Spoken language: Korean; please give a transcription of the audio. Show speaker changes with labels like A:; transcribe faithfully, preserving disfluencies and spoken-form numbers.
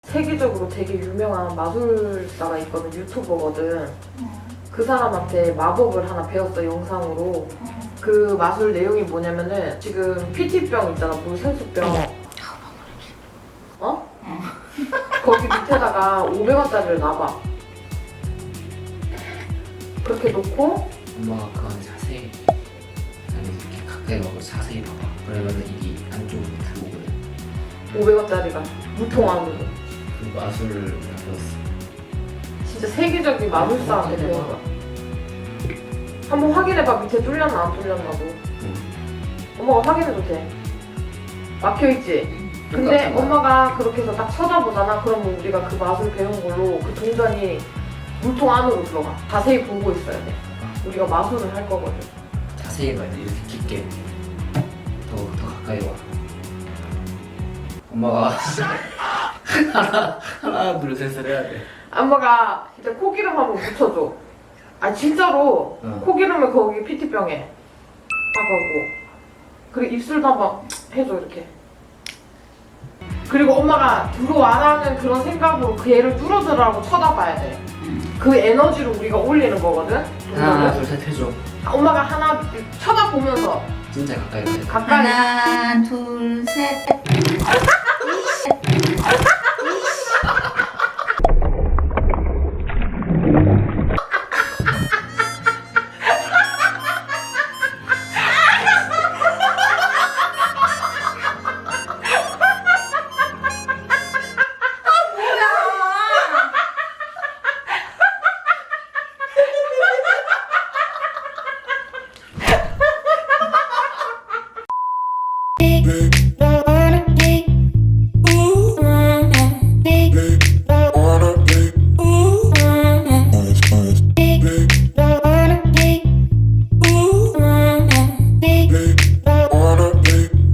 A: 세계적으로 되게 유명한 마술사가 있거든. 유튜버거든. 그 사람한테 마법을 하나 배웠어, 영상으로. 그 마술 내용이 뭐냐면은 지금 피티병 있잖아, 물 생수병. 어? 거기 밑에다가 오백 원짜리를 놔봐. 그렇게 놓고
B: 엄마가 그 안에 자세히 아니 이렇게 가까이 와서 자세히 봐봐. 그러면은 이게 안쪽으로 들어오거든.
A: 오백 원짜리가 물통 안으로.
B: 그 마술을 배웠어.
A: 진짜 세계적인 마술사한테 배운 거야. 한번 확인해봐. 밑에 뚫렸나 안 뚫렸나도.
B: 응.
A: 엄마가 확인해도 돼. 막혀있지? 근데
B: 똑같은 거야.
A: 엄마가 그렇게 해서 딱 쳐다보잖아. 그러면 우리가 그 마술 배운 걸로 그 동전이 물통 안으로 들어가. 자세히 보고 있어야 돼. 우리가 마술을 할 거거든.
B: 자세히 봐야 돼. 이렇게 깊게. 더, 더 가까이 와. 엄마가 하나, 하나, 둘, 셋을 해야 돼.
A: 엄마가 진짜 코기름 한번 묻혀줘. 아 진짜로.
B: 응.
A: 코기름을 거기 피티병에 따가고. 그리고 입술도 한번 해줘 이렇게. 그리고 엄마가 들어와라는 그런 생각으로 그 애를 뚫어들라고 쳐다봐야 돼. 그 에너지로 우리가 올리는 거거든.
B: 하나, 둘, 셋 해줘.
A: 엄마가 하나 쳐다보면서
B: 진짜 가까이 가야 돼.
A: 가까이.
C: 하나, 둘, 셋.